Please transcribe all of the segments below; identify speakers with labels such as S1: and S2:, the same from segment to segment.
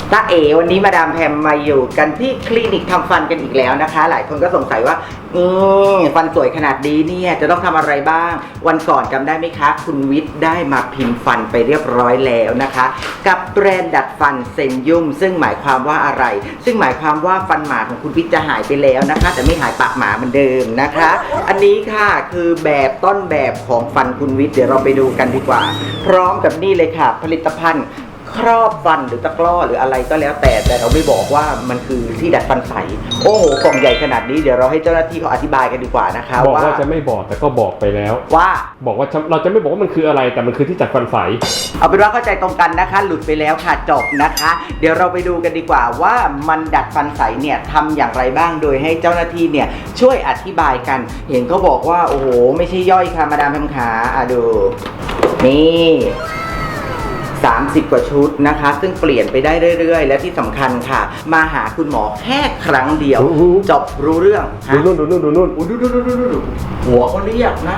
S1: ตาเอ๋วันนี้มาดามแพมมาอยู่กันที่คลินิกทำฟันกันอีกแล้วนะคะหลายคนก็สงสัยว่าฟันสวยขนาดนี้เนี่ยจะต้องทำอะไรบ้างวันก่อนจำได้ไหมคะคุณวิทย์ได้มาพิมพ์ฟันไปเรียบร้อยแล้วนะคะกับแบรนด์ดัดฟันเซนยุ่มซึ่งหมายความว่าอะไรซึ่งหมายความว่าฟันหมาของคุณวิทย์จะหายไปแล้วนะคะแต่ไม่หายปากหมาเหมือนเดิมนะคะอันนี้ค่ะคือแบบต้นแบบของฟันคุณวิทย์เดี๋ยวเราไปดูกันดีกว่าพร้อมกับนี่เลยค่ะผลิตภัณฑ์ครอบฟันหรือตะกร้อหรืออะไรก็แล้วแต่เราไม่บอกว่ามันคือที่ดัดฟันใสโอ้โหกล่องใหญ่ขนาดนี้เดี๋ยวเราให้เจ้าหน้าที่เขาอธิบายกันดีกว่านะคะ
S2: บอกว่าจะไม่บอกแต่ก็บอกไปแล้ว
S1: ว่า
S2: บอกว่าเราจะไม่บอกว่ามันคืออะไรแต่มันคือที่ดัดฟันใส
S1: เอาเป็นว่าเข้าใจตรงกันนะคะหลุดไปแล้วค่ะจบนะคะเดี๋ยวเราไปดูกันดีกว่าว่ามันดัดฟันใสเนี่ยทำอย่างไรบ้างโดยให้เจ้าหน้าที่เนี่ยช่วยอธิบายกันเห็นเขาบอกว่าโอ้โหไม่ใช่ย่อยค่ะมาดามแพมขาดูนี่30 กว่าชุดนะคะซึ่งเปลี่ยนไปได้เรื่อยๆและที่สำคัญค่ะมาหาคุณหมอแค่ครั้งเดียวจบรู้เรื่อง
S2: ดูนู่นดู
S1: หัวเขาเรียกนะ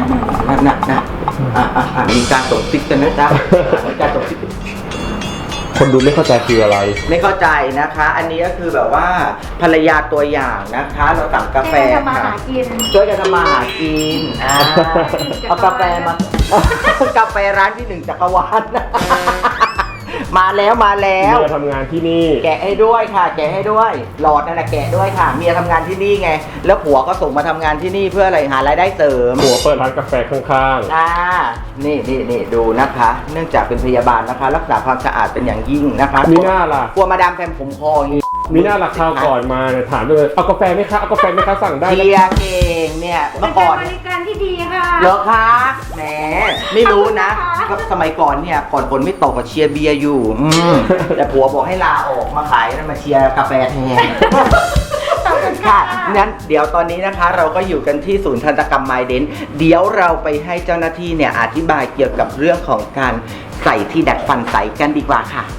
S1: มีการส่งซิกกันนะจ๊ะมีการส่งซิก
S2: คนดูไม่เข้าใจคืออะไร
S1: ไม่เข้าใจนะคะอันนี้ก็คือแบบว่าภรรยาตัวอย่างนะคะเราสั่งกาแฟค่ะช่วยกันทำมาหากินเอากาแฟมากาแฟร้านที่1จักรวาลมาแล้ว
S2: เมียทำงานที่นี่
S1: แกะให้ด้วยค่ะแกะให้ด้วยหลอดนั่นแหละแกะด้วยค่ะเมียทำงานที่นี่ไงแล้วผัวก็ส่งมาทำงานที่นี่เพื่ออะไรหารายได้เสริม
S2: ผัวเปิดร้านกาแฟข้าง
S1: ๆนี่ดูนะคะเนื่องจากเป็นพยาบาลนะคะรักษาความสะอาดเป็นอย่างยิ่งนะคะ
S2: มีหน้าล่ะ
S1: กลัวมาดามแพมผมคออย่างนี้
S2: มีหน้าราคาก่อนมาเนี่ยถามเลยเอากาแฟไหมคะเอากาแฟไหมคะสั่งได้
S1: เชียร์เก่งเนี่ยเมื่อก่อน
S3: บริการที่ดีค่ะ
S1: เหรอคะแหมไม่รู้นะก็สมัยก่อนเนี่ยก่อนฝนไม่ตกก็เชียร์เบียร์อยู่แต่ผัวบอกให้ลาออกมาขายมาเชียร์กาแฟแทนค่ะงั้นเดี๋ยวตอนนี้นะคะเราก็อยู่กันที่ศูนย์ทันตกรรมไมเดนเดี๋ยวเราไปให้เจ้าหน้าที่เนี่ยอธิบายเกี่ยวกับเรื่องของการใส่ที่ดัดฟันใสกันดีกว่าค่ะ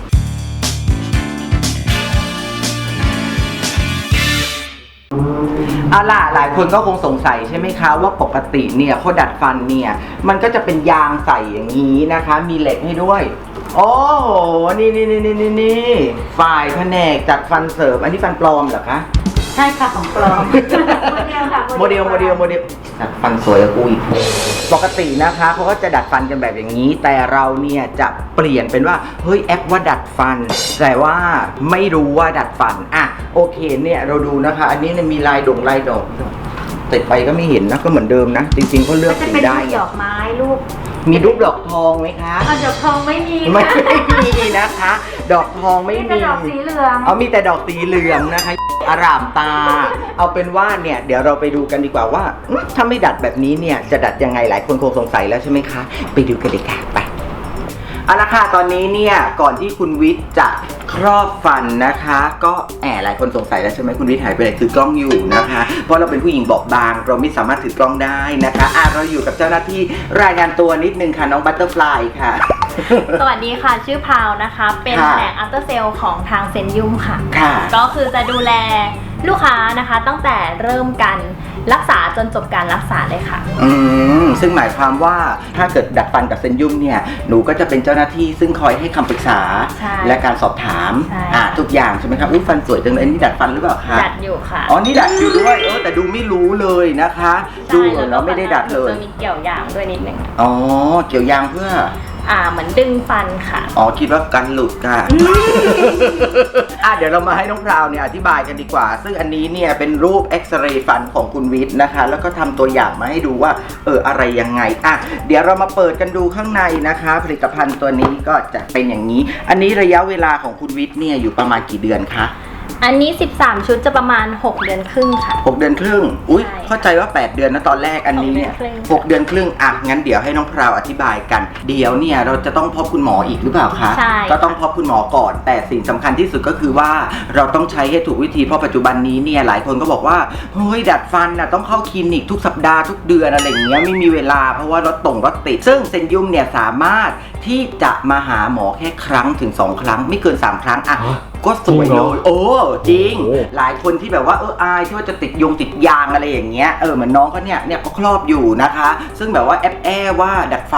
S1: เอาล่ะหลายคนก็คงสงสัยใช่ไหมคะว่าปกติเนี่ยเขาดัดฟันเนี่ยมันก็จะเป็นยางใส่อย่างนี้นะคะมีเหล็กให้ด้วยโอ้โหนี่ฝ่ายแผนกจัดฟันเสริมอันนี้ฟันปลอมเหรอคะ
S3: ใช่ค่ะของปลอม
S1: โมเดลดัดฟันสวยกูอีกปกตินะคะเขาก็จะดัดฟันกันแบบอย่างนี้แต่เราเนี่ยจะเปลี่ยนเป็นว่าเฮ้ยแอปว่าดัดฟันแต่ว่าไม่รู้ว่าดัดฟันอ่ะโอเคเนี่ยเราดูนะคะอันนี้เนี่ยมีลายดอกติดไปก็ไม่เห็นนะก็เหมือนเดิมนะจริงๆเขาเลือกสีได้
S3: ดอกไม้ลูก
S1: มีรูปดอกทองไหมคะ
S3: ดอกทองไม่มี
S1: นะคะดอกทองไม่มี
S3: แต่ดอกสีเหลือง
S1: มีแต่ดอกสีเหลืองนะคะอร่ามตาเอาเป็นว่าเนี่ยเดี๋ยวเราไปดูกันดีกว่าว่าถ้าไม่ดัดแบบนี้เนี่ยจะดัดยังไงหลายคนคงสงสัยแล้วใช่ไหมคะไปดูกันเลยค่ะไปเอาละค่ะตอนนี้เนี่ยก่อนที่คุณวิทย์จะครอบฟันนะคะก็หลายคนสงสัยแล้วใช่ไหมคุณวิทย์หายไปไหนถือกล้องอยู่นะคะเพราะเราเป็นผู้หญิงบอบบางเราไม่สามารถถือกล้องได้นะคะเราอยู่กับเจ้าหน้าที่รายงานตัวนิดนึงค่ะน้องบัตเตอร์ฟลายค่ะ
S3: สวัสดีค่ะชื่อพาวนะคะเป็นแผนกอัลเตอร์เซลของทางเซนยุ่มค่ะก็คือจะดูแลลูกค้านะคะตั้งแต่เริ่มการรักษาจนจบการรักษาเลยค่ะ
S1: ซึ่งหมายความว่าถ้าเกิดดัดฟันกับเซนยุ่มเนี่ยหนูก็จะเป็นเจ้าหน้าที่ซึ่งคอยให้คำปรึกษาและการสอบถามทุกอย่างใช่ไหมครับฟันสวยจังเลยนี่ดัดฟันหรือเปล่าคะ
S3: ดัดอยู่ค่ะ
S1: นี่ดัดอยู่ด้วยแต่ดูไม่รู้เลยนะคะดูแล้วไม่ได้ดัดเลย
S3: จะมีเกี่ยวยางด้วยนิดนึง
S1: เกี่ยวยางเพื่อ
S3: เหมือนดึงฟันค่ะ
S1: คิดว่ากันหลุดค่ะเดี๋ยวเรามาให้น้องพราวเนี่ยอธิบายกันดีกว่าซึ่งอันนี้เนี่ยเป็นรูปเอ็กซเรย์ฟันของคุณวิทย์นะคะแล้วก็ทำตัวอย่างมาให้ดูว่าอะไรยังไงเดี๋ยวเรามาเปิดกันดูข้างในนะคะผลิตภัณฑ์ตัวนี้ก็จะเป็นอย่างนี้อันนี้ระยะเวลาของคุณวิทย์เนี่ยอยู่ประมาณกี่เดือนคะ
S3: อันนี้13ชุดจะประมาณ6เดือนครึ่งค่ะ
S1: 6เดือนครึ่งเข้าใจว่า8เดือนนะตอนแรกอันนี้เนี่ย6เดือนครึ่งงั้นเดี๋ยวให้น้องพราวอธิบายกันเดี๋ยวเนี่ยเราจะต้องพบคุณหมออีกหรือเปล่าคะ
S3: ใช่
S1: ก็ต้องพบคุณหมอก่อนแต่สิ่งสำคัญที่สุดก็คือว่าเราต้องใช้ให้ถูกวิธีเพราะปัจจุบันนี้เนี่ยหลายคนก็บอกว่าเฮ้ยดัดฟันต้องเข้าคลินิกทุกสัปดาห์ทุกเดือนอะไรอย่างเงี้ยไม่มีเวลาเพราะว่ารถติดซึ่งเซนยุ่มเนี่ยสามารถที่จะมาหาหมอแค่ครั้งถึง2ครั้งไม่เกิน3ครั้งก็สวยเลยจริงหลายคนที่แบบว่าอายที่ว่าจะติดยางอะไรอย่างเงี้ยเหมือนน้องก็เนี่ยเขาครอบอยู่นะคะซึ่งแบบว่าแอบว่าดัดฟัน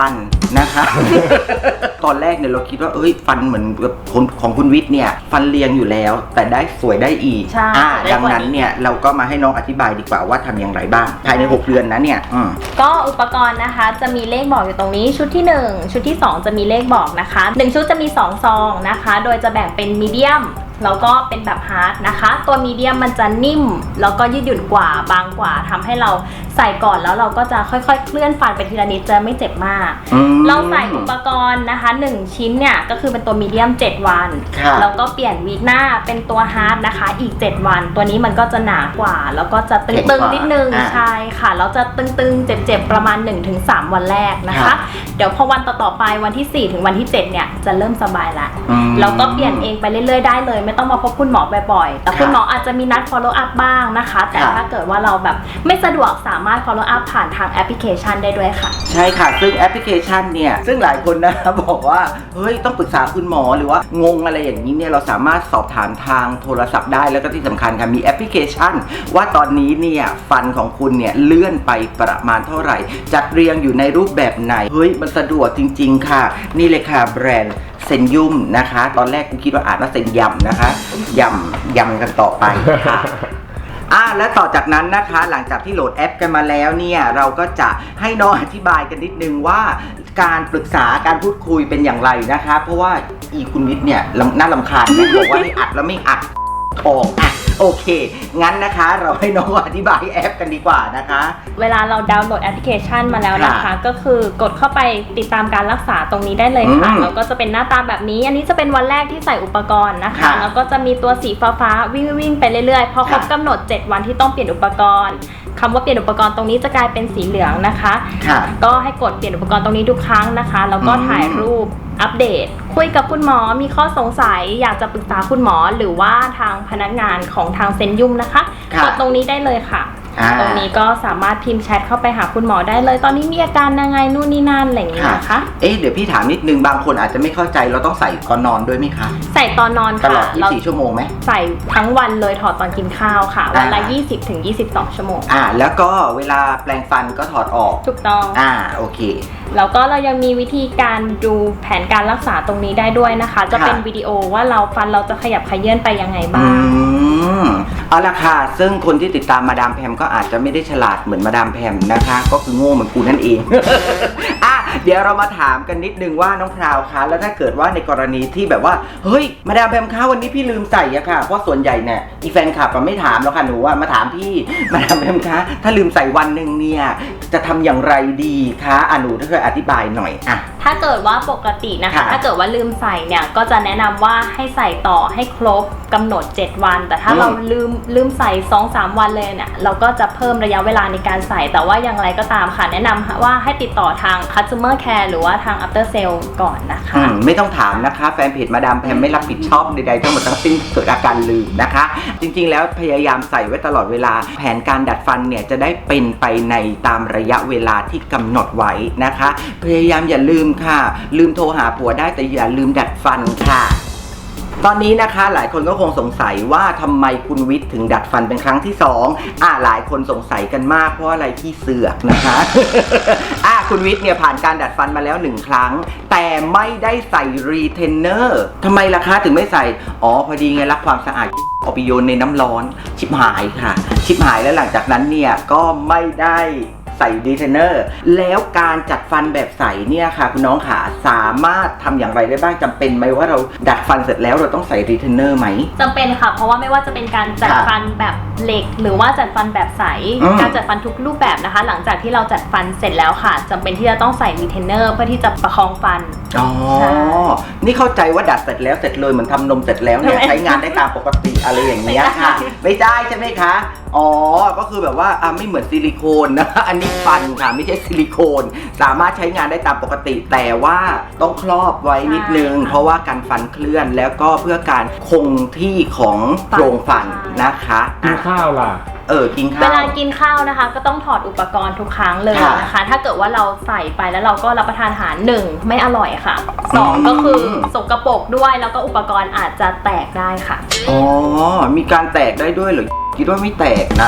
S1: นะคะ ตอนแรกเนี่ยเราคิดว่าฟันเหมือนกับของคุณวิทย์เนี่ยฟันเรียงอยู่แล้วแต่ได้สวยได้อีก
S3: ใช่
S1: ดังนั้นเนี่ยเราก็มาให้น้องอธิบายดีกว่าว่าทำอย่างไรบ้างภายใน6 เดือนนะเนี่ย
S3: ก็อุปกรณ์นะคะจะมีเลขบอกอยู่ตรงนี้ชุดที่1ชุดที่2จะมีเลขบอกนะคะ1ชุดจะมี2ซองนะคะโดยจะแบ่งเป็นมีเดียมแล้วก็เป็นแบบฮาร์ดนะคะตัวมีเดียมมันจะนิ่มแล้วก็ยืดหยุ่นกว่าบางกว่าทำให้เราใส่ก่อนแล้วเราก็จะค่อยๆเคลื่อนฟันไปทีละนิดจะไม่เจ็บมากเราใส่อุปกรณ์นะคะ1ชิ้นเนี่ยก็คือเป็นตัวมีเดียม7 วันแล้วก็เปลี่ยนวีคหน้าเป็นตัวฮาร์ดนะคะอีก7 วันตัวนี้มันก็จะหนากว่าแล้วก็จะตึงๆนิดนึงใช่ค่ะแล้วจะตึงๆเจ็บๆประมาณ 1-3 วันแรกนะคะเดี๋ยวพอวันต่อๆไปวันที่4ถึงวันที่7เนี่ยจะเริ่มสบายละแล้วก็เปลี่ยนเองไปเรื่อยๆได้เลยไม่ต้องมาพบคุณหมอบ่อยๆแต่คุณหมออาจจะมีนัด follow up บ้างนะคะแต่ถ้าเกิดว่าเราแบบไม่สะดวกสามารถ follow up ผ่านทางแอปพลิเคชันได้ด้วยค่ะ
S1: ใช่ค่ะซึ่งแอปพลิเคชันเนี่ยซึ่งหลายคนนะบอกว่าเฮ้ยต้องปรึกษาคุณหมอหรือว่างงอะไรอย่างนี้เนี่ยเราสามารถสอบถามทางโทรศัพท์ได้แล้วก็ที่สำคัญค่ะมีแอปพลิเคชันว่าตอนนี้เนี่ยฟันของคุณเนี่ยเลื่อนไปประมาณเท่าไหร่จัดเรียงอยู่ในรูปแบบไหนเฮ้ยมันสะดวกจริงๆค่ะนี่เลยค่ะแบรนด์เซนยุ่มนะคะตอนแรกกูคิดว่าอ่านว่าเซนยำนะคะยำกันต่อไปค่ะและต่อจากนั้นนะคะหลังจากที่โหลดแอปกันมาแล้วเนี่ยเราก็จะให้น้องอธิบายกันนิดนึงว่าการปรึกษาการพูดคุยเป็นอย่างไรนะคะเพราะว่าคุณวิทย์เนี่ยน่ารำคาญนะบอกว่าให้อัดแล้วไม่อัดทองโอเคงั้นนะคะเราให้น้องอธิบายแอปกันดีกว่านะคะ
S3: เวลาเราดาวน์โหลดแอปพลิเคชันมาแล้วนะคะก็คือกดเข้าไปติดตามการรักษาตรงนี้ได้เลยค่ะแล้วก็จะเป็นหน้าตาแบบนี้อันนี้จะเป็นวันแรกที่ใส่อุปกรณ์นะคะแล้วก็จะมีตัวสีฟ้าวิ่งไปเรื่อยๆพอครบกำหนด7 วันที่ต้องเปลี่ยนอุปกรณ์คำว่าเปลี่ยนอุปกรณ์ตรงนี้จะกลายเป็นสีเหลืองนะคะก็ให้กดเปลี่ยนอุปกรณ์ตรงนี้ทุกครั้งนะคะแล้วก็ถ่ายรูปอัปเดตคุยกับคุณหมอมีข้อสงสัยอยากจะปรึกษาคุณหมอหรือว่าทางพนักงานของทางเซนยุ่มนะคะกดตรงนี้ได้เลยค่ะตรงนี้ก็สามารถพิมพ์แชทเข้าไปหาคุณหมอได้เลยตอนนี้มีอาการยังไงนู่นนี่นั่นอะไรอย่างนี้นะคะ
S1: เดี๋ยวพี่ถามนิดนึงบางคนอาจจะไม่เข้าใจเราต้องใส่ก่อนนอนด้วยไหมคะ
S3: ใส่ตอนนอนค่ะ
S1: ตลอด24 ชั่วโมงไหม
S3: ใส่ทั้งวันเลยถอดตอนกินข้าวค่ะวันละ20-22 ชั่วโมง
S1: แล้วก็เวลาแปรงฟันก็ถอดออก
S3: ถูกต้อง
S1: โอเค
S3: แล้วก็เรายังมีวิธีการดูแผนการรักษาตรงนี้ได้ด้วยนะคะจะเป็นวิดีโอว่าฟันเราจะขยับขยื่นไปยังไงบ้าง
S1: เอาละค่ะซึ่งคนที่ติดตามมาดามแพมก็อาจจะไม่ได้ฉลาดเหมือนมาดามแพมนะคะก็คือโง่เหมือนกูนั่นเอง เดี๋ยวเรามาถามกันนิดนึงว่าน้องพราวคะแล้วถ้าเกิดว่าในกรณีที่แบบว่าเฮ้ยมาดามแพมคะวันนี้พี่ลืมใส่อะค่ะเพราะส่วนใหญ่เนี่ยอีแฟนคลับไม่ถามแล้วค่ะหนูมาถามพี่มาดามแพมคะถ้าลืมใส่วันหนึ่งเนี่ยจะทำอย่างไรดีคะหนูช่วยอธิบายหน่อย
S3: ถ้าเกิดว่าปกตินะคะถ้าเกิดว่าลืมใส่เนี่ยก็จะแนะนำว่าให้ใส่ต่อให้ครบกำหนด7 วันแต่ถ้าเราลืมใส่ 2-3 วันเลยเนี่ยเราก็จะเพิ่มระยะเวลาในการใส่แต่ว่าอย่างไรก็ตามค่ะแนะนำว่าให้ติดต่อทาง customer care หรือว่าทาง after sale ก่อนนะคะ
S1: ไม่ต้องถามนะคะแฟนเพจมาดามแพมไม่รับผิดชอบใดๆทั้งหมดทั้งสิ้นเกิดอาการลืมนะคะจริงๆแล้วพยายามใส่ไว้ตลอดเวลาแผนการดัดฟันเนี่ยจะได้เป็นไปในตามระยะเวลาที่กำหนดไว้นะคะพยายามอย่าลืมค่ะลืมโทรหาผัวได้แต่อย่าลืมดัดฟันค่ะตอนนี้นะคะหลายคนก็คงสงสัยว่าทำไมคุณวิทย์ถึงดัดฟันเป็นครั้งที่2หลายคนสงสัยกันมากเพราะอะไรที่เสือกนะคะ คุณวิทย์เนี่ยผ่านการดัดฟันมาแล้ว1 ครั้งแต่ไม่ได้ใส่รีเทนเนอร์ทำไมล่ะคะถึงไม่ใส่พอดีไงรักความสะอาดเอาไปโยนในน้ำร้อนชิบหายค่ะชิบหายแล้วหลังจากนั้นเนี่ยก็ไม่ได้ใส่รีเทนเนอร์แล้วการจัดฟันแบบใสเนี่ยค่ะคุณน้องขาสามารถทำอย่างไรได้บ้างจำเป็นไหมว่าเราดัดฟันเสร็จแล้วเราต้องใส่รีเทนเนอร์ไหม
S3: จำเป็นค่ะเพราะว่าไม่ว่าจะเป็นการจัดฟันแบบเหล็กหรือว่าจัดฟันแบบใสการจัดฟันทุกรูปแบบนะคะหลังจากที่เราจัดฟันเสร็จแล้วค่ะจำเป็นที่จะต้องใส่รีเทนเนอร์เพื่อที่จะประคองฟัน
S1: นี่เข้าใจว่าดัดเสร็จแล้วเสร็จเลยเหมือนทำนมเสร็จแล้วเนี่ยใช้งานได้ตามปกติอะไรอย่างเงี้ยค่ะไม่ได้ใช่ไหมคะก็คือแบบว่าไม่เหมือนซิลิโคนนะอันนี้ฟันค่ะไม่ใช่ซิลิโคนสามารถใช้งานได้ตามปกติแต่ว่าต้องครอบไว้นิดนึงเพราะว่าการฟันเคลื่อนแล้วก็เพื่อการคงที่ของโครงฟันนะคะ
S2: กินข้าวล่ะ
S1: กินข้าว
S3: เวลากินข้าวนะคะก็ต้องถอดอุปกรณ์ทุกครั้งเลยนะคะถ้าเกิดว่าเราใส่ไปแล้วเราก็รับประทานอาหาร1ไม่อร่อยค่ะ2ก็คือสกปรกด้วยแล้วก็อุปกรณ์อาจจะแตกได้ค่ะ
S1: มีการแตกได้ด้วยเหรอคิดว่าไม่แตกนะซ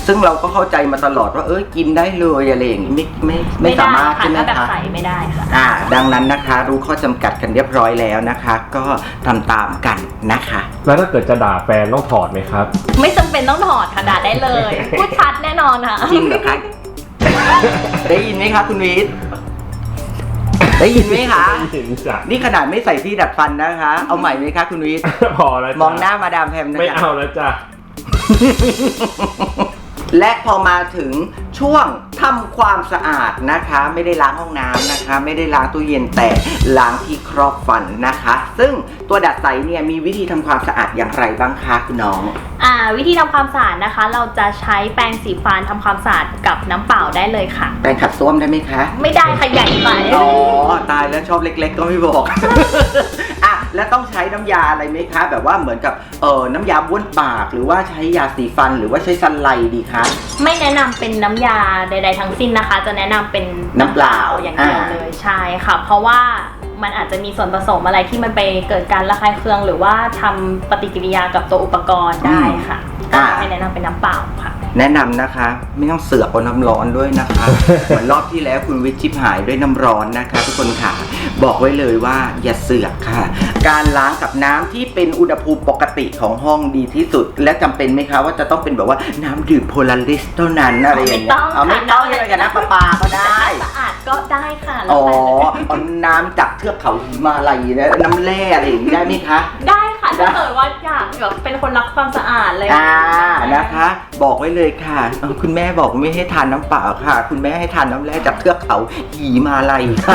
S1: ซึ่งเราก็เข้าใจมาตลอดว่ากินได้เลยอะไรอย่างนี้ไม่สามารถใช่ไหม
S3: ถ้าแบบ
S1: คะ
S3: ใส่ไม่ได้ค่ะ
S1: ดังนั้นนะคะรู้ข้อจำกัดกันเรียบร้อยแล้วนะคะ ก็ทำตามกันนะคะ
S2: แล้วถ้าเกิดจะด่าแฟนต้องถอดไหมครับ
S3: ไม่จำเป็นต้องถอดค่ะด่าได้เลย พูดชัดแน่นอนค่ะ
S1: จริงเหรอคะ ได้ยินไหมคะคุณวิทย์ได้ยินไหมคะ
S2: เห็นจ้ะ
S1: นี่ขนาดไม่ใส่ที่ดัดฟันนะคะ เอาใหม่ไหมคะคุณวิทย์
S2: พอแล้วจ้ะ
S1: มองหน้ามาดามแพมนะ
S2: ไม่
S1: คะ
S2: เอาแล้วจ้ะ
S1: และพอมาถึงช่วงทำความสะอาดนะคะ ไม่ได้ล้างห้องน้ำนะคะ ไม่ได้ล้างตู้เย็นแต่ล้างที่ครอบฟันนะคะ ซึ่งตัวดัดใสเนี่ยมีวิธีทำความสะอาดอย่างไรบ้างคะคุณน้อง
S3: วิธีทำความสะอาดนะคะ เราจะใช้แปรงสีฟันทำความสะอาดกับน้ำเปล่าได้เลยค่ะ
S1: แปรงขัดส้วมได้ไหมคะ
S3: ไม่ได้ค่ะใหญ่ไป
S1: อ๋อตายแล้วชอบเล็กๆก็ไม่บอก แล้วต้องใช้น้ำยาอะไรไหมคะ แบบว่าเหมือนกับน้ำยาบ้วนปากหรือว่าใช้ยาสีฟันหรือว่าใช้ซันไลด์ดีคะ
S3: ไม่แนะนำเป็นน้ำยาใดๆทั้งสิ้นนะคะ จะแนะนำเป็น
S1: น้ำเปล่า
S3: อย่างเดียวเลยใช่ค่ะ เพราะว่ามันอาจจะมีส่วนผสมอะไรที่มันไปเกิดการระคายเคืองหรือว่าทำปฏิกิริยากับตัวอุปกรณ์ได้ค่ะก็ไม่แนะนำเป็นน้ำเปล่าค่ะ
S1: แนะนำนะคะไม่ต้องเสือกเอาน้ำร้อนด้วยนะคะ เหมือนรอบที่แล้วคุณวิทย์ชิบหายด้วยน้ำร้อนนะคะทุกคนค่ะบอกไว้เลยว่าอย่าเสือกค่ะ การล้างกับน้ำที่เป็นอุณหภูมิปกติของห้องดีที่สุด และจำเป็นไหมคะว่าจะต้องเป็นแบบว่าน้ำดื่มโพลาริสเท่านั้นอะไรอย่างเงี้ยไม่ต้องเลยกันนะปลาก็ได้
S3: สะอาดก็ได้ค่ะ
S1: อ๋อเอาน้ำจากเทือกเขาหิมาลัยนะน้ำแร่อะไรอย่างนี้ได้ไหมคะ
S3: ได้ค่ะถ้าเกิดว่าอยากแบบเป็นคนรักความสะอาดเลย
S1: นะคะ บอกไว้เลยค่ะคุณแม่บอกไม่ให้ทานน้ำเปล่าค่ะ คุณแม่ให้ทานน้ำแร่จากเทือกเขาหิมาลัยค่ะ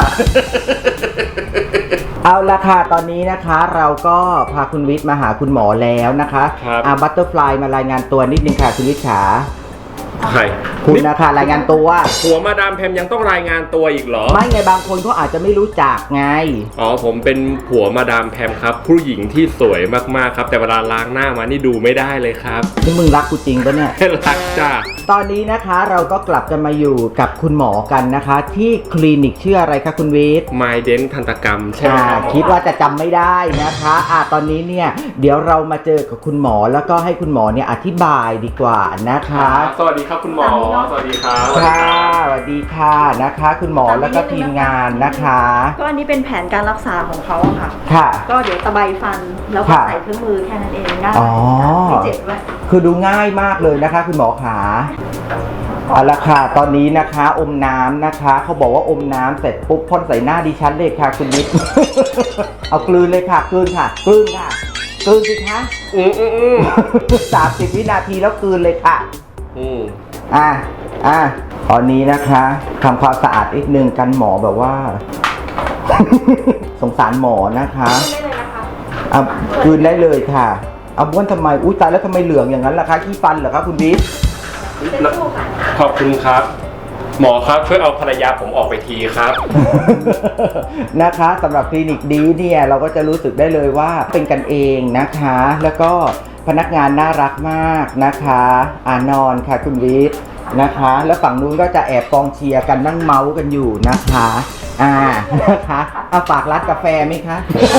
S1: เอาละค่ะตอนนี้นะคะเราก็พาคุณวิทย์มาหาคุณหมอแล้วนะคะ
S2: ครับ
S1: บัตเตอร์ฟลายมารายงานตัวนิดนึงค่ะคุณวิทย์ขา
S2: ใคร
S1: คุณนะคะรายงานตัว
S2: หัวมาดามแพมยังต้องรายงานตัวอีกเหรอ
S1: ไม่ไงบางคนเขาอาจจะไม่รู้จักไง
S2: อ๋อผมเป็นผัวมาดามแพมครับ ผู้หญิงที่สวยมากๆครับ แต่เวลาล้างหน้ามานี่ดูไม่ได้เลยครับ
S1: นี่มึงรักกูจริงปะเนี่ย
S2: รักจ้า
S1: ตอนนี้นะคะเราก็กลับกันมาอยู่กับคุณหมอกันนะคะ ที่คลินิกชื่ออะไรคะคุณวิทย์
S2: ไมเดนทันตกรรมใช่ไหมครับ
S1: คิดว่าจะจำไม่ได้นะคะตอนนี้เนี่ยเดี๋ยวเรามาเจอกับคุณหมอแล้วก็ให้คุณหมอเนี่ยอธิบายดีกว่านะคะ
S2: สวัสดีครับคุณหมอ สวัสดีครับ
S1: ค่ะสวัสดีค่ะนะคะ คุณหมอแล้วก็ทีมงานนะคะ
S4: ก็อันนี้เป็นแผนการรักษาของเขาอะค่ะ
S1: ค่ะ
S4: ก็เดี๋ยวตะไบฟันแล้วก็
S1: ค่ะ
S4: ใส่เครื่องมือแค่นั้นเองได้
S1: อ๋อ
S4: ไม่เจ็บด้วย
S1: คือดูง่ายมากเลยนะคะ คุณหมอขาเอาละค่ะตอนนี้นะคะอมน้ำนะคะเขาบอกว่าอมน้ำเสร็จปุ๊บพ่นใส่หน้าดิฉันเลยค่ะคุณวิทย์ เอากลืนเลยค่ะกลืนค่ะกลืนค่ะกลืนสิคะ 30 วินาทีแล้วกลืนเลยค่ะตอนนี้นะคะทำความสะอาดอีกนึงกันหมอแบบว่า สงสารหมอนะคะกลืนได้เลยค่ะเอาบ้วนทำไมอุ้ยตายแล้วทำไมเหลืองอย่างนั้นล่ะคะขี้ฟันเหรอคะคุณวิทย์
S2: ขอบคุณครับ หมอครับช่วยเอาภรรยาผมออกไปทีครับ
S1: นะคะสำหรับคลินิกดีเนี่ยเราก็จะรู้สึกได้เลยว่าเป็นกันเองนะคะ แล้วก็พนักงานน่ารักมากนะคะนอนค่ะคุณวิทย์นะคะ แล้วฝั่งนู้นก็จะแอบกองเชียร์กันนั่งเมาส์กันอยู่นะคะนะคะเอาฝากร้านกาแฟไหมคะ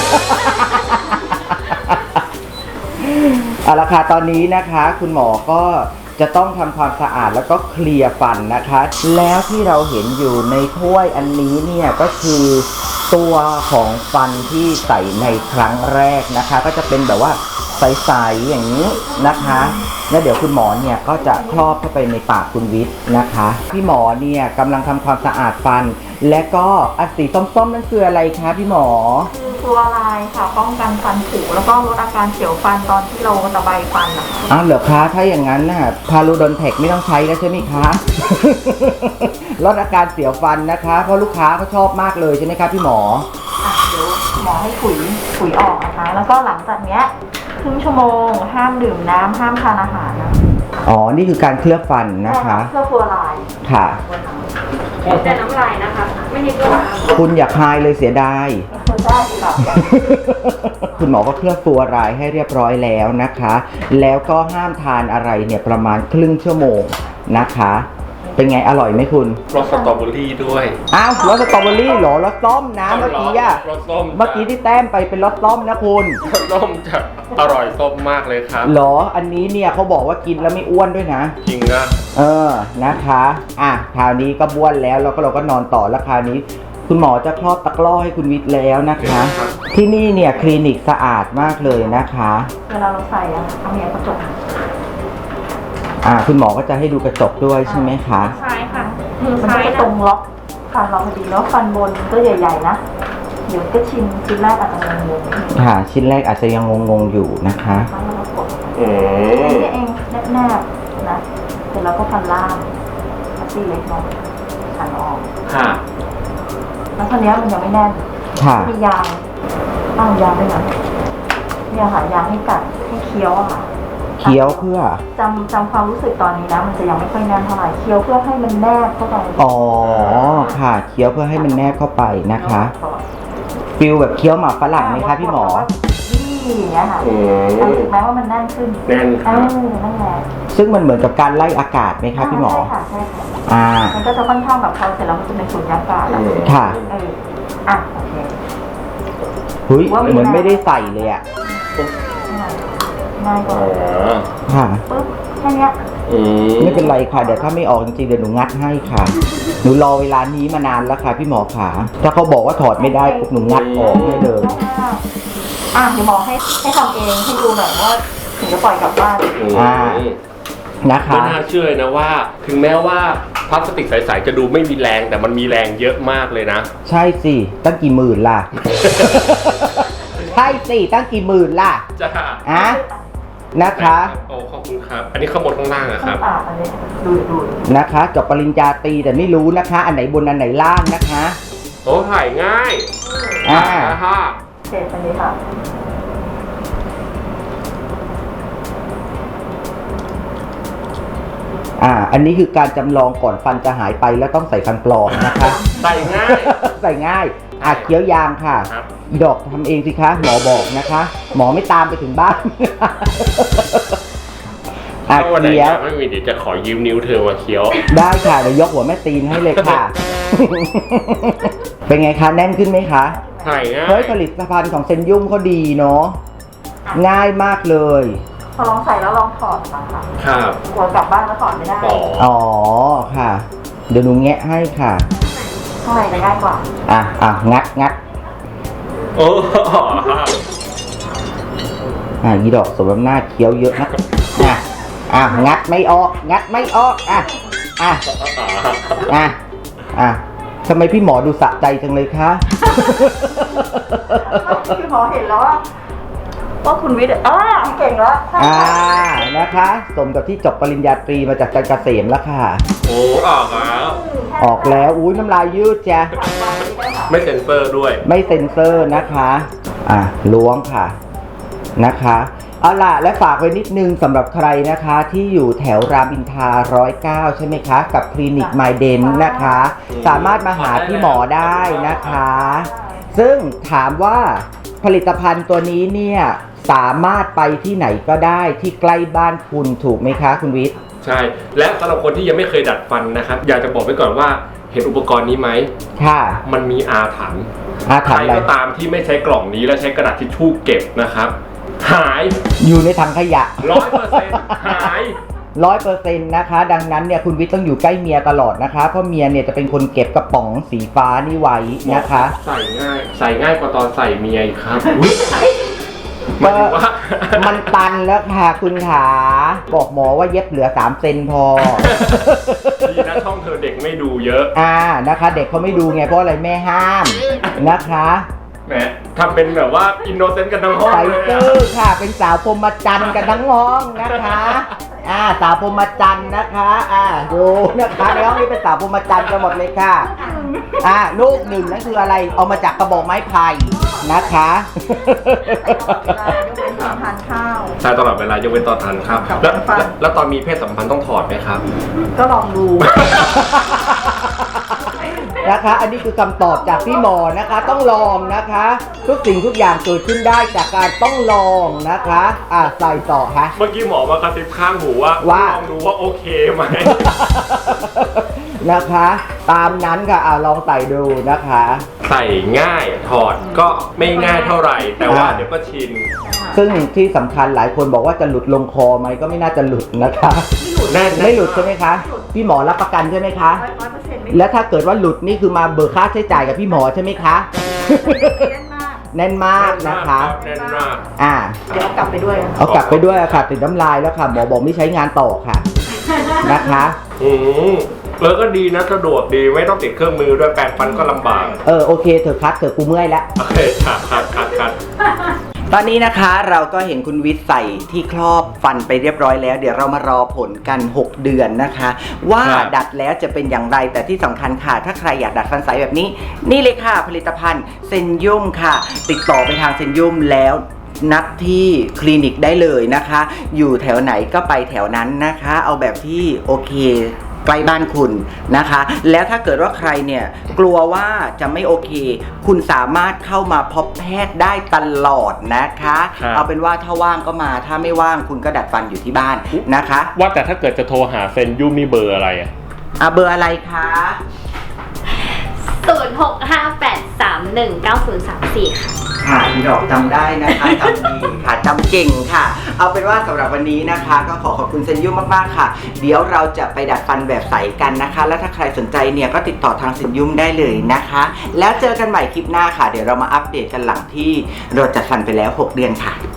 S1: เอาละค่ะตอนนี้นะคะคุณหมอก็จะต้องทำความสะอาดแล้วก็เคลียร์ฟันนะคะ แล้วที่เราเห็นอยู่ในถ้วยอันนี้เนี่ยก็คือตัวของฟันที่ใส่ในครั้งแรกนะคะ ก็จะเป็นแบบว่าใสๆอย่างนี้นะคะแล้วเดี๋ยวคุณหมอเนี่ยก็จะครอบเข้าไปในปากคุณวิทย์นะคะพี่หมอเนี่ยกำลังทำความสะอาดฟัน และก็อันสีส้มๆนั่นคืออะไรคะพี่หมอ
S4: คือฟลูออไรด์ค่ะป้องกันฟันผุแล้วก็ลดอาการเสียวฟันตอนที่เราตะไบฟันนะคะ
S1: อ้าวเหรอคะถ้าอย่างนั้นน่ะพารูดอนแทคไม่ต้องใช้แล้วใช่ไหมคะ ลดอาการเสียวฟันนะคะเพราะลูกค้าเขาชอบมากเลยใช่ไหมคะพี่หมอ
S4: เดี๋ยวหมอให้ขุยออกนะคะ แล้วก็หลังจากเนี้ยครึ่งชั่วโมงห้ามดื่มน้ำห้ามทานอาหารนะ
S1: อ๋อนี่คือการเคลือบฟันนะคะ
S4: เพื่อฟลูออไรด์
S1: ค่ะ
S4: แต่น้ำลายนะคะ ไม่ใช่เกลือ
S1: คุณอย่าคายเลยเสียดาย
S4: ได้ค่ะ
S1: คุณหมอก็เคลือบตัวรายให้เรียบร้อยแล้วนะคะ แล้วก็ห้ามทานอะไรเนี่ยประมาณครึ่งชั่วโมงนะคะเป็นไงอร่อยไหมคุณ
S2: รสสตรอเบอรี่ด้วย
S1: อ้าวรสสตรอเบอรี่เหรอรสส้มนะเมื่อกี้อะ
S2: รสส้ม
S1: เมื่อกี้ที่แต้มไปเป็นรสส้มนะคุณ
S2: รสส้มจะอร่อยส้มมากเลยครับ
S1: เหรออันนี้เนี่ยเขาบอกว่ากินแล้วไม่อ้วนด้วยนะ
S2: จริงนะ
S1: นะคะคราวนี้ก็บ้วนแล้วแล้วก็เราก็นอนต่อแล้วคราวนี้ คุณหมอจะคลอดตะกร้อให้คุณวิทย์แล้วนะคะ ที่นี่เนี่ยคลินิกสะอาดมากเลยนะคะ
S4: เวลาเราใส่อะเอาเนี่ยกระจก
S1: คุณหมอก็จะให้ดูกระจกด้วยใช่ไหมคะ
S3: ใช่ค่ะ
S4: มือมันก็จะตรงล็อกฟันเราพอดีแล้วฟันบนก็ใหญ่ๆนะเดี๋ยวก็ชิ้นแรกอาจจะงงๆ
S1: ค่ะ ชิ้นแรกอาจจะยังงงๆอยู่นะคะ
S4: แล้วเรากด
S2: อืม
S4: นี่เองแนบๆนะเสร็จแล้วก็ฟันล่างพัตตี้เล็กน้อยขันออก
S2: ค่ะ
S4: แล้วตอนนี้มันยังไม่แน่น
S1: ค่ะ
S4: มียางยางด้วยนะเนี่ยค่ะยางให้กัดให้เคี้ยวอะค่ะ
S1: เคี้ยวเพื่อ
S4: จำความรู้สึกตอนนี้นะมันจะยังไม่ค่อยแน่นเท่าไหร่เคี้ยวเพื่อให้มันแนบเข้าไป
S1: อ๋อค่ะเคี้ยวเพื่อให้มันแนบเข้าไปนะคะฟิลแบบเคี้ยวหมากฝรั่งไหมคะพี่หมอ
S4: นี่อย่างเงี้ยค่ะ
S2: อืม
S4: รู้สึกไหมว่ามันแน่นขึ้น
S2: แน่นครับ
S4: นั่นแหละ
S1: ซึ่งมันเหมือนกับการไล่อากาศไหมคะพี่หมอ
S4: ใช่ค่ะมันก็จะค่อนข้างแบบพอเสร็จแล้วมันจะเป็นสูญญากาศอะ
S1: ค่ะ
S4: โอเค
S1: เฮ้ยเหมือนไม่ได้ใส่เลยอ่ะ
S4: ง่ายก
S2: อ๋
S4: ว่า
S2: อ
S1: ค่ะ
S4: ปึ๊บแค่เนี้ย
S2: อืม
S1: ไม่เป็นไรค่ะเดี๋ยวถ้าไม่ออกจริงๆเดี๋ยวหนูงัดให้ค่ะ หนูรอเวลานี้มานานแล้วค่ะพี่หมอขาถ้าเขาบอกว่าถอดไม่ได้ปุ๊บหนูงัดออกให้เลย
S4: เดี๋ยวหมอให้ทำเองให้ดูหน่อยว่าถึงจะปล่อยกลับบ้าน
S1: อ่า นะคะ
S2: ไม่น่าเชื่อเลยนะว่า ถึงแม้ว่าพลาสติกใสๆจะดูไม่มีแรงแต่มันมีแรงเยอะมากเลยนะ
S1: ใช่สิตั้งกี่หมื่นล่ะ ใช่สิตั้งกี่หมื่นล่ะ
S2: จ้า
S1: นะคะ
S2: โอ้ขอบคุณครับ อันนี้ข้างบนข้างล่างอะครับ
S4: อันนี้ดู
S1: นะคะจบปริญญาตรีแต่ไม่รู้นะคะ อันไหนบนอันไหนล่างนะคะ
S2: โอ้ถ่ายง่าย
S1: อ่า
S2: ฮะ
S4: เสร็จอันนี้ค่ะ
S1: อันนี้คือการจำลองก่อนฟันจะหายไปแล้วต้องใส่ฟันปลอมนะคะ
S2: ใส่ง่าย
S1: ใส่ง่ายเคี้ยวยางค่ะ
S2: ครับ
S1: อีดอกทำเองสิคะหมอบอกนะคะ หมอไม่ตามไปถึงบ้าน
S2: ถ้าวันไหน
S1: เคี้ยว
S2: ไม่มีเดี๋ยวจะขอยืมนิ้วเธอมาเคี้ยว
S1: ได้ค่ะเดี๋ยวยกหัวแม่ตีนให้เลยค่ะ เป็นไงคะแน่นขึ้นไหมคะ
S2: ถ่ายง่าย
S1: เฮ้ยผลิตภัณฑ์ของเซนยุ่มเขาดีเนาะง่ายมากเลย
S4: พอลองใส่แล้วลองถอดมาค่ะ
S2: ครับ
S4: กลัวกลับบ้านแล้วถอดไม่ได้
S2: อ๋อ
S1: อ๋อค่ะ เดี๋ยวหนูแงะให้ค่ะ
S4: ข้างในจะง่ายกว่า
S1: งัด
S2: โอ้
S1: อีดอกสมน้ำหน้าเคี้ยวเยอะนะงัดไม่ออกทำไมพี่หมอดูสะใจจังเลยคะ
S4: คือหมอเห็นแล้วว่าคุณวิทย์เก่งแล้ว
S1: นะคะ สมกับที่จบปริญญาตรีมาจากจันทร์เกษมแล้วค่ะ
S2: โอ้ออกแล้ว
S1: ออกแล้วอุ้ยน้ำลายยืดจ้ะ
S2: ไม่เซ็นเซอร์ด้วย
S1: ไม่เซ็นเซอร์นะคะล้วงค่ะนะคะเอาล่ะและฝากไว้นิดนึงสำหรับใครนะคะที่อยู่แถวรามอินทรา109ใช่ไหมคะกับคลินิกไมเดนนะคะ สามารถมาหาพี่หมอได้นะคะ ซึ่งถามว่าผลิตภัณฑ์ตัวนี้เนี่ยสามารถไปที่ไหนก็ได้ที่ใกล้บ้านคุณถูกไหมคะคุณวิทย์
S2: ใช่ และสำหรับคนที่ยังไม่เคยดัดฟันนะครับ อยากจะบอกไว้ก่อนว่าเห็นอุปกรณ์นี้ไหม
S1: ค่ะ
S2: มันมีอาถรรพ์
S1: ถาม
S2: ใคร
S1: อะไร
S2: ก็ตามที่ไม่ใช้กล่องนี้แล้วใช้กระดาษทิชชู่เก็บนะครับ หาย
S1: อยู่ในถังขยะ
S2: 100%หาย
S1: 100%นะคะ ดังนั้นเนี่ยคุณวิทย์ต้องอยู่ใกล้เมียตลอดนะคะ เพราะเมียเนี่ยจะเป็นคนเก็บกระป๋องสีฟ้านี่ไว้นะคะ
S2: ใส่ง่ายกว่าตอนใส่เมียอีกครับอุ๊ยหมายถึงว่า
S1: มันตันแล้วค่ะคุณขาบอกหมอว่าเย็บเหลือ3 เซนพอ
S2: ดีนะช่องเธอเด็กไม่ดูเยอะ
S1: นะคะ เด็กเขาไม่ดูไงเพราะอะไรแม่ห้ามนะคะ
S2: แหมทำเป็นแบบว่าอินโนเซนต์กันทั้งห้อง
S1: ใส่
S2: เลย
S1: ซื่อค่ะเป็นสาวพรหมจันทร์กันทั้งห้องนะคะสาวพรหมจันทร์นะคะดูนะคะในห้องนี้เป็นสาวพรหมจันทร์กันหมดเลยค่ะลูกหนึ่งนั่นคืออะไรเอามาจากกระบอกไม้ไผ่นะคะ
S4: ทานข้าว
S2: ใช่ตลอดเวลายกเว้นตอนทานข้าวแล้วตอนมีเพศสัมพันธ์ต้องถอดไหมครับ
S4: ก็ลองดู
S1: นะคะ อันนี้คือคำตอบจากพี่หมอนะคะ ต้องลองนะคะ ทุกสิ่งทุกอย่างเกิดขึ้นได้จากการต้องลองนะคะใส่ต่อค่ะ
S2: เมื่อกี้หมอมากระซิบข้างหูว่าลองดูว่าโอเคไหม
S1: นะคะ ตามนั้นค่ะลองใส่ดูนะคะ
S2: ใส่ง่ายถอดก็ไม่ง่ายเท่าไหร่ แต่ว่าเดี๋ยวก็ชิน
S1: ซึ่งที่สำคัญหลายคนบอกว่าจะหลุดลงคอไหมก็ไม่น่าจะหลุดนะคะ ไม่หลุดใช่ไหมคะพี่หมอรับประกันใช่ไหมคะ
S4: 100%ไม่
S1: แล้วถ้าเกิดว่าหลุดนี่คือมาเบิกค่าใช้จ่ายกับพี่หมอใช่ไหมคะ
S4: แน่นมาก
S1: แน่นมากนะคะ
S2: แน่นมาก
S4: เดี๋ยวเอากลับไปด้วย
S1: เอากลับไปด้วยค่ะติดน้ำลายแล้วค่ะหมอบอกไม่ใช้งานต่อค่ะนะคะ
S2: แล้วก็ดีนะสะดวกดีไม่ต้องติดเครื่องมือด้วยแปรงฟันก็ลำบาก
S1: โอเคเถอะคัดเถอะกูเมื่อยแล้ว
S2: โอเคคัด
S1: ตอนนี้นะคะเราก็เห็นคุณวิทย์ใส่ที่ครอบฟันไปเรียบร้อยแล้ว เดี๋ยวเรามารอผลกัน 6 เดือนนะคะ ว่าดัดแล้วจะเป็นอย่างไรแต่ที่สำคัญค่ะถ้าใครอยากดัดฟันใสแบบนี้นี่เลยค่ะผลิตภัณฑ์เซนยุ่มค่ะ ติดต่อไปทางเซนยุ่มแล้วนัดที่คลินิกได้เลยนะคะ อยู่แถวไหนก็ไปแถวนั้นนะคะ เอาแบบที่โอเคใกล้บ้านคุณนะคะ แล้วถ้าเกิดว่าใครเนี่ยกลัวว่าจะไม่โอเค คุณสามารถเข้ามาพบแพทย์ได้ตลอดนะคะ เอาเป็นว่าถ้าว่างก็มาถ้าไม่ว่างคุณก็ดัดฟันอยู่ที่บ้านนะคะ
S2: ว่าแต่ถ้าเกิดจะโทรหาเซนยุ่มนี่เบอร์อะไรอ่ะ
S1: เบอร์อะไรคะ
S3: 0658319034 ค่ะ
S1: ค่ะพี่ดอกจำได้นะคะจำดีค่ะจำเก่งค่ะ เอาเป็นว่าสำหรับวันนี้นะคะ ก็ขอบคุณเซนยุ่มมากๆค่ะ เดี๋ยวเราจะไปดัดฟันแบบใสกันนะคะ แล้วถ้าใครสนใจเนี่ยก็ติดต่อทางเซนยุ่มได้เลยนะคะ แล้วเจอกันใหม่คลิปหน้าค่ะ เดี๋ยวเรามาอัปเดตกันหลังที่เราจัดฟันไปแล้ว 6 เดือนค่ะ